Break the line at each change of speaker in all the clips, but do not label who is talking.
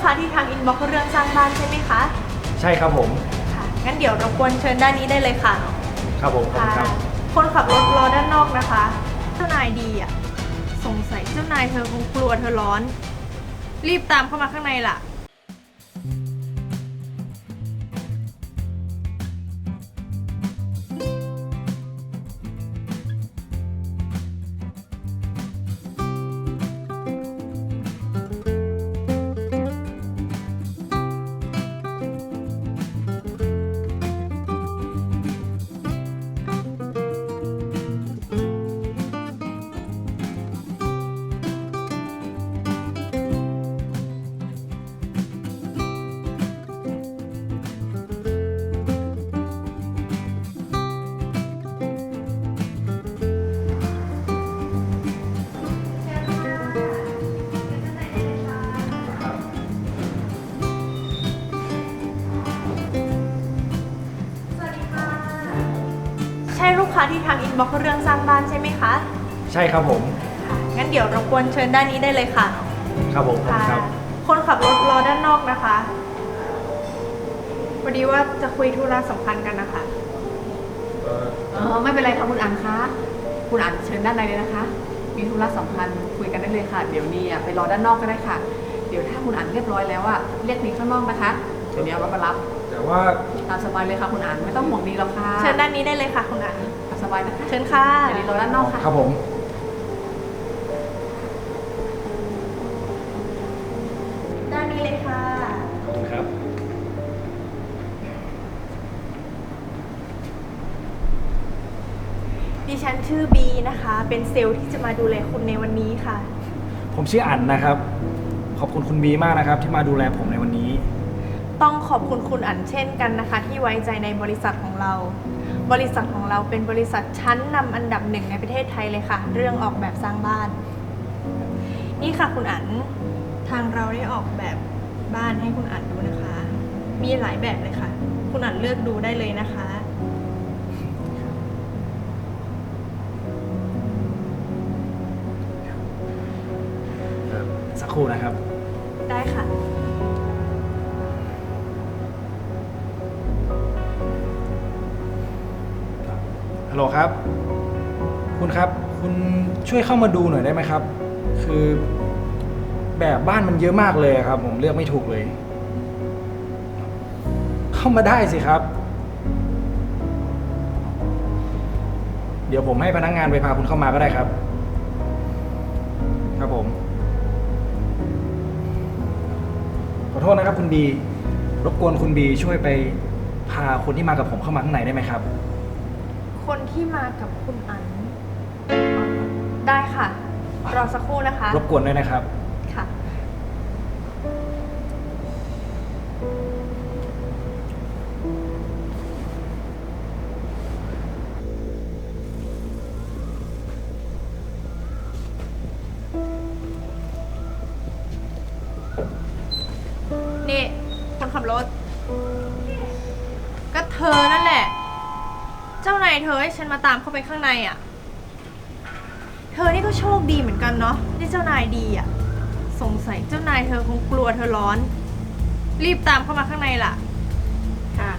ค้าที่ทางอินบ็อกซ์เรื่องสร้างบ้านใช่ไหมคะ
ใช่ครับผม
ค่ะงั้นเดี๋ยวรบกวนเชิญด้านนี้ได้เลยค่ะ
ครับผมขอบคุณครับ
คนขับรถรอด้านนอกนะคะเจ้านายดีอ่ะสงสัยเจ้านายเธอคงกลัวเธอร้อนรีบตามเข้ามาข้างในล่ะใช่ลูกค้าที่ทางอินบ็อกซ์เรื่องสร้างบ้านใช่ไหมคะ
ใช่ครับผม
ค่ะงั้นเดี๋ยวรบกวนเชิญด้านนี้ได้เลยค่ะ
ครับผมครับ
คนขับรถรอด้านนอกนะคะพอดีว่าจะคุยธุระสำคัญกันนะคะ
ไม่เป็นไรค่ะคุณอั๋นคะคุณอั๋นเชิญด้านในเลยนะคะมีธุระสำคัญคุยกันได้เลยค่ะเดี๋ยวนี้ไปรอด้านนอกก็ได้ค่ะเดี๋ยวถ้าคุณอั๋นเรียบร้อยแล้วเรียกนี้ข้างนอกนะคะเดี๋ยวนี้เอารถมารับ
แต่ว่า
ตามสบายเลยค่ะคุณอั๋นไม่ต้องห่วงนี้หรอกค่ะ
เชิญด้านนี้ได้เลยค่ะคุณอั๋น
สบายนะคะ
เชิญค่ะ
เดี๋ยวนี้รอด้านนอกค่ะ
ครับผม
ด้านนี้เลยค่ะ
ขอบคุณครับ
ดิฉันชื่อบีนะคะเป็นเซลล์ที่จะมาดูแลคุณในวันนี้ค่ะ
ผมชื่ออั๋นนะครับขอบคุณคุณบีมากนะครับที่มาดูแลผมในวันนี้
ต้องขอบคุณคุณอั๋นเช่นกันนะคะที่ไว้ใจในบริษัทของเราบริษัทของเราเป็นบริษัทชั้นนำอันดับหนึ่งในประเทศไทยเลยค่ะเรื่องออกแบบสร้างบ้านนี่ค่ะคุณอั๋นทางเราได้ออกแบบบ้านให้คุณอั๋นดูนะคะมีหลายแบบเลยค่ะคุณอั๋นเลือกดูได้เลยนะคะ
สักครู่นะครับ
ได้ค่ะ
ฮัลโหลครับคุณครับคุณช่วยเข้ามาดูหน่อยได้ไหมครับคือแบบบ้านมันเยอะมากเลยครับผมเลือกไม่ถูกเลยเข้ามาได้สิครับเดี๋ยวผมให้พนักงานไปพาคุณเข้ามาก็ได้ครับครับผมขอโทษนะครับคุณบีรบกวนคุณบีช่วยไปพาคนที่มากับผมเข้ามาข้างในได้ไหมครับ
คนที่มากับคุณอั๋นได้ค่ะรอสักครู่นะคะ
รบกวนด้วยนะครับ
ค่ะนี่คนขับรถก็เธอนั่นแหละเจ้านายเธอให้ฉันมาตามเข้าไปข้างในอ่ะเธอนี่ก็โชคดีเหมือนกันเนาะที่เจ้านายดีอ่ะสงสัยเจ้านายเธอคงกลัวเธอร้อนรีบตามเข้ามาข้างในล่ะค่ะ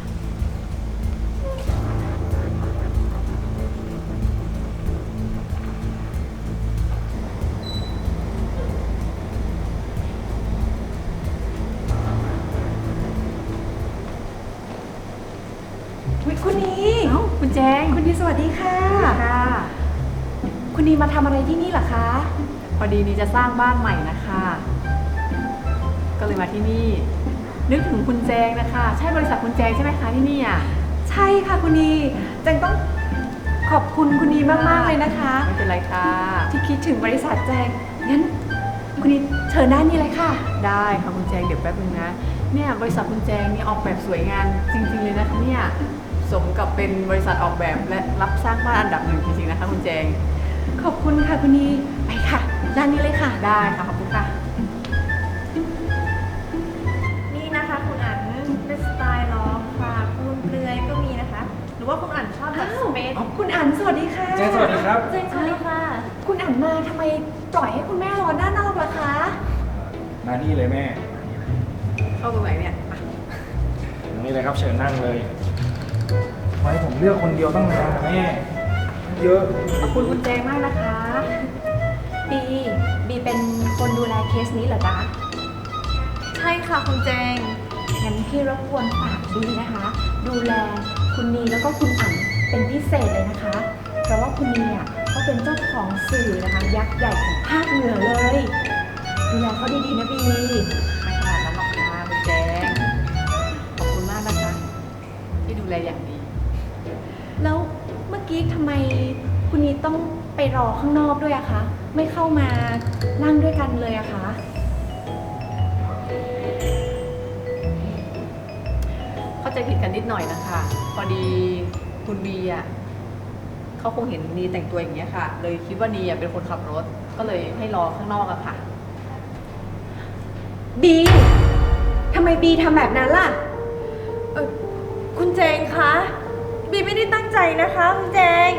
คุณนี
คุณแจง
คุณนีสวัสดีค่ะ
ค่ะ
คุณนีมาทำอะไรที่นี่เหรอคะ
พอดีนี่จะสร้างบ้านใหม่นะคะก็เลยมาที่นี่นึกถึงคุณแจงนะคะใช่บริษัทคุณแจงใช่ไหมคะที่นี่อ่ะ
ใช่ค่ะคุณนีแจงต้องขอบคุณคุณนีมากๆเลยนะคะ
ไม่เป็นไรค่ะ
ที่คิดถึงบริษัทแจงงั้นคุณนีเชิญด้านนี้เลยค่ะ
ได้ค่ะคุณแจงเดี๋ยวแป๊บนึงนะเนี่ยบริษัทคุณแจงนี่ออกแบบสวยงามจริงๆเลยนะคะเนี่ยสมกับเป็นบริษัทออกแบบและรับสร้างบ้านอันดับหนึ่งจริงๆนะคะคุณแจง
ขอบคุณค่ะคุณนีไปค่ะด้านนี้เลยค่ะ
ได้ค่ะขอบคุณค่ะ
นี่นะคะคุณอั๋นเป็นสไตล์ล็อกค่ะปูนเปลือยก็มีนะคะหรือว่าคุณอั๋นชอบแบบสเปซ
คุณอั๋นสวัสดีค่ะ
เจนสวัสดีครับ
เจนสวัสดีค่ะ
คุณอั๋นมาทำไมปล่อยให้คุณแม่รอด้านนอกล่ะคะ
มานี่เลยแม่
าตรงไหนเนี่ยมา
นี่เลยครับเชิญนั่งเลยไว้ผมเลือกคนเดียวตั้งนานนะแม่เยอะ
ขอบคุณคุณแจงมากนะคะ
บีเป็นคนดูแลเคสนี้เหรอจ๊ะ
ใช่ค่ะคุณแจง
งั้นพี่รบกวนฝากบีนะคะ ดูแลคุณนีแล้วก็คุณอั๋นเป็นพิเศษเลยนะคะ เพราะว่าคุณนีอ่ะเขาเป็นเจ้าของสื่อนะคะ ยักษ์ใหญ่ของภาคเหนือเลย ดูแลเขาดีๆนะบี
ไม่ขนาดนั้นหรอกค่ะคุณแจงขอบคุณมากนะคะที่ดูแลอย่างดี
แล้วเมื่อกี้ทำไมคุณนีต้องไปรอข้างนอกด้วยอะคะ ไม่เข้ามานั่งด้วยกันเลยอะคะ
เข้าใจผิดกันนิดหน่อยนะคะ พอดีคุณบีอ่ะเขาคงเห็นนีแต่งตัวอย่างเงี้ยค่ะ เลยคิดว่านีอ่ะเป็นคนขับรถ ก็เลยให้รอข้างนอกอะค่ะ
บีทำไมบีทำแบบนั้นล่ะ
คุณแจงคะบีไม่ได้ตั้งใจนะคะคุณแจง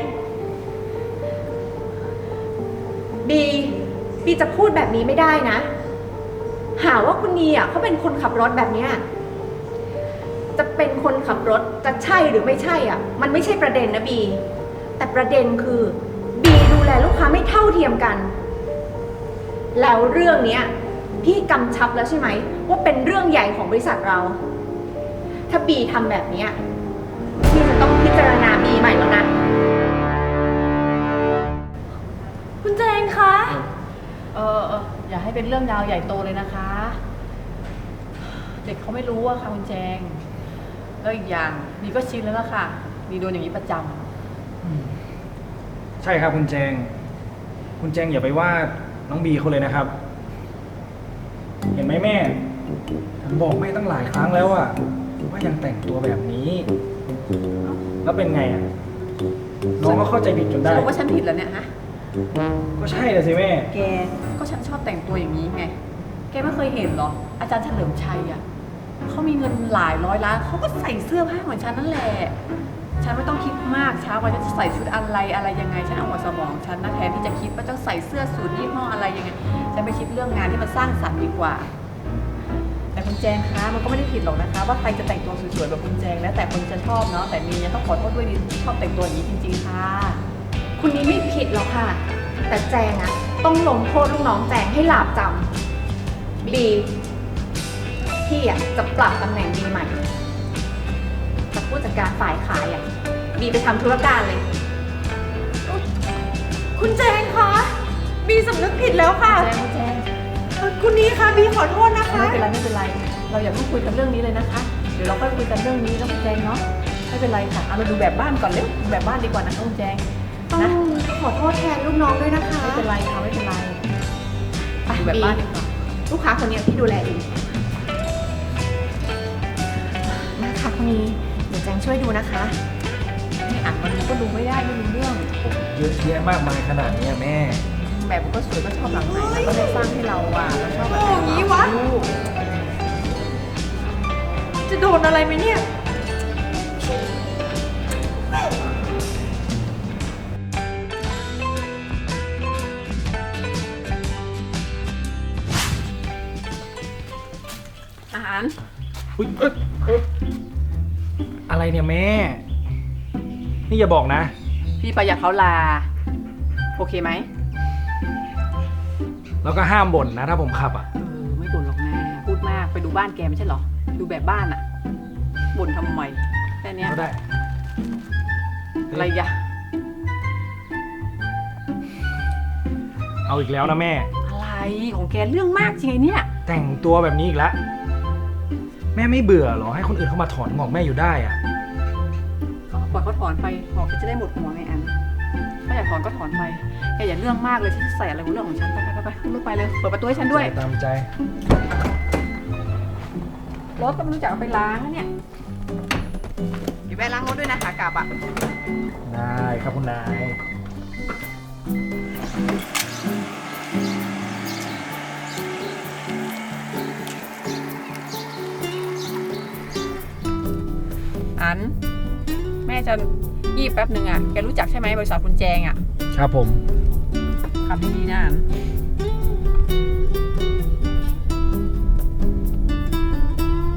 บีจะพูดแบบนี้ไม่ได้นะ หาว่าคุณนีอ่ะเขาเป็นคนขับรถแบบเนี้ยจะเป็นคนขับรถจะใช่หรือไม่ใช่อ่ะ มันไม่ใช่ประเด็นนะบี แต่ประเด็นคือบีดูแลลูกค้าไม่เท่าเทียมกัน แล้วเรื่องเนี้ยพี่กำชับแล้วใช่ไหมว่าเป็นเรื่องใหญ่ของบริษัทเรา ถ้าบีทำแบบเนี้ยพี่จะต้องพิจารณาบีใหม่แล้วนะ
คุณแจงคะ
อย่าให้เป็นเรื่องยาวใหญ่โตเลยนะคะ เด็กเขาไม่รู้อะค่ะคุณแจง แล้วอีกอย่างนีก็ชินแล้วล่ะค่ะนีโดนอย่างนี้ประจำ
ใช่ครับคุณแจง คุณแจงอย่าไปว่าน้องบีเขาเลยนะครับ เห็นไหมแม่ผมบอกแม่ตั้งหลายครั้งแล้วอะว่ายังแต่งตัวแบบนี้ แล้วเป็นไงอะน้องก็เข้าใจผิดจน
ส
ได้
รุปว่าฉันผิดแล้วเนี่ยฮะ
ก็ใช่เลยสิแม่
แกก็ฉันชอบแต่งตัวอย่างนี้ไง แกไม่เคยเห็นเหรอ อาจารย์เฉลิมชัยอ่ะเขามีเงินหลายร้อยล้านเขาก็ใส่เสื้อผ้าเหมือนฉันนั่นแหละ ฉันไม่ต้องคิดมากเช้าวันจะใส่ชุดอะไรยังไง ฉันเอาหัวสมองฉันนะแทนที่จะคิดว่าจะใส่เสื้อสูทยี่ห้ออะไรยังไง ฉันไปคิดเรื่องงานที่มันสร้างสรรค์ดีกว่า แต่คุณแจงคะมันก็ไม่ได้ผิดหรอกนะคะ ว่าใครจะแต่งตัวสวยๆแบบคุณแจงแล้วแต่คนจะชอบเนาะ แต่มีต้องขอโทษด้วยดิที่ชอบแต่งตัวอย่างนี้จริงๆค่ะ
คุณนี้ไม่ผิดหรอกค่ะ แต่แจงอะต้องลงโทษลูกน้องแจงให้หลาบจำบีพี่อะจะปรับตำแหน่งบีใหม่จากผู้จัดการฝ่ายขายอะบีไปทำธุรการเลย
คุณแจงคะบีสำนึกผิดแล้วค่ะ
แจง
คุณนีคะบีขอโทษนะคะ
ไม่เป็นไร เราอย่าเพิ่งคุยกันเรื่องนี้เลยนะคะ เดี๋ยวเราค่อยคุยกันเรื่องนี้แล้วคุณแจงเนาะ ไม่เป็นไรค่ะ เอาเราดูแบบบ้านก่อนเร็วดูแบบบ้านดีกว่านะคะคุณแจง
ต้อง
นะ
ขอโทษแทนลูกน้องด้วยนะคะ
ไม่เป็นไรค่ะไม่เป็นไร
ไป
ดูแบบ
บี
บ้านดีกว่า
ลูกค้าคนนี้พี่ดูแลเองนะคะคนนี้เดี๋ยวแจงช่วยดูนะคะ
ไม่อ่านมันก็ดูไม่ได้ไม่รู้เรื่อง
เยอะแยะมากมายขนาดนี้อะแม่
แบบมันก็สวยก็ชอบหลังไหนแล้วก็ได้สร้างให้เราอ่ะเราชอบแบบ
โอ้อย่างนี้วะ
ลูก
จะโดนอะไรไหมเนี่ย
อาหาร
อุ๊ยอะไรเนี่ยแม่ นี่อย่าบอกนะ
พี่ประหยัดเขาลา โอเคไหม
แล้วก็ห้ามบ่นนะถ้าผมขับอ่ะ
ไม่บ่นหรอกนะพูดมากไปดูบ้านแกไม่ใช่เหรอ ดูแบบบ้านอ่ะบ่นทำไมแค่เนี้ย
ก็ได้
อะไรยะ
เอาอีกแล้วนะแม่
อะไรของแกเรื่องมากจริงไงเนี่ย
แต่งตัวแบบนี้อีกแล้ว แม่ไม่เบื่อเหรอให้คนอื่นเข้ามาถอนงอกแม่อยู่ได้อ่ะ
ก็ปล่อยเขาถอนไปพอจะได้หมดหัวไงอันถ้าอยากถอนก็ถอนไปแกอย่าเรื่องมากเลยที่จะใส่อะไรของเรื่องของฉันไปขึ้นรถไปเลยเปิดประตูให้ฉันด้วย
ตามใจ
รถก็ไม่รู้จักเอาไปล้างนะเนี่ยเดี๋ยวแวะล้างรถด้วยนะขากลับอ่ะ
ได้ครับคุณนาย
อันแม่จะยีบแป๊บหนึ่งอ่ะแกรู้จักใช่ไหมบริษัทคุณแจงอ่ะ
ครับผม
ขับดีๆนะอัน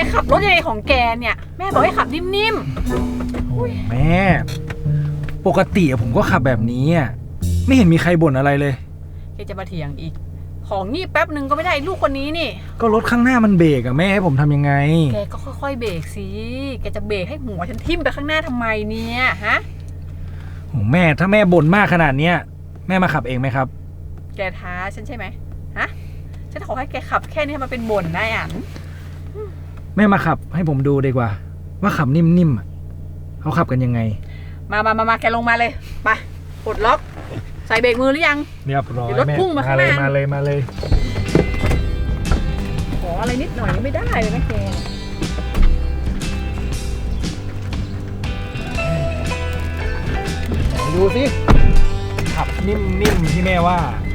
ขับรถยังไงของแกเนี่ย แม่บอกให้ขับนิ่ม
โอ้แม่ ปกติผมก็ขับแบบนี้อ่ะไม่เห็นมีใครบ่นอะไรเลย
ๆแกจะมาเถียงอีก ของงีบแป๊บหนึ่งก็ไม่ได้ลูกคนนี้นี่
ก็รถข้างหน้ามันเบรกอะแม่ให้ผมทำยังไง
แกก็ค่อยๆเบรกสิ แกจะเบรกให้หัวฉันทิ่มไปข้างหน้าทำไมเนี่ยฮะ
โอ้แม่ถ้าแม่บ่นมากขนาดเนี้ยแม่มาขับเองไหมครับ
แกท้าฉันใช่ไหมฮะ ฉันขอให้แกขับแค่นี้ให้มันเป็นบ่นได้อ่ะ
แม่มาขับให้ผมดูดีกว่า ว่าขับนิ่มๆอะเขาขับกันยังไง
มาแกลงมาเลย ไปปลดล็อก ใส่เบรกมือหรือยัง
เรียบร้อย
เดี๋ยวรถ
แม่
พุ่งมาข้างหน้า
มาเลย
ขออะไรนิดหน่อยก็ไม่ได้เลยนะแก
ไหนดูสิขับนิ่มๆที่แม่ว่า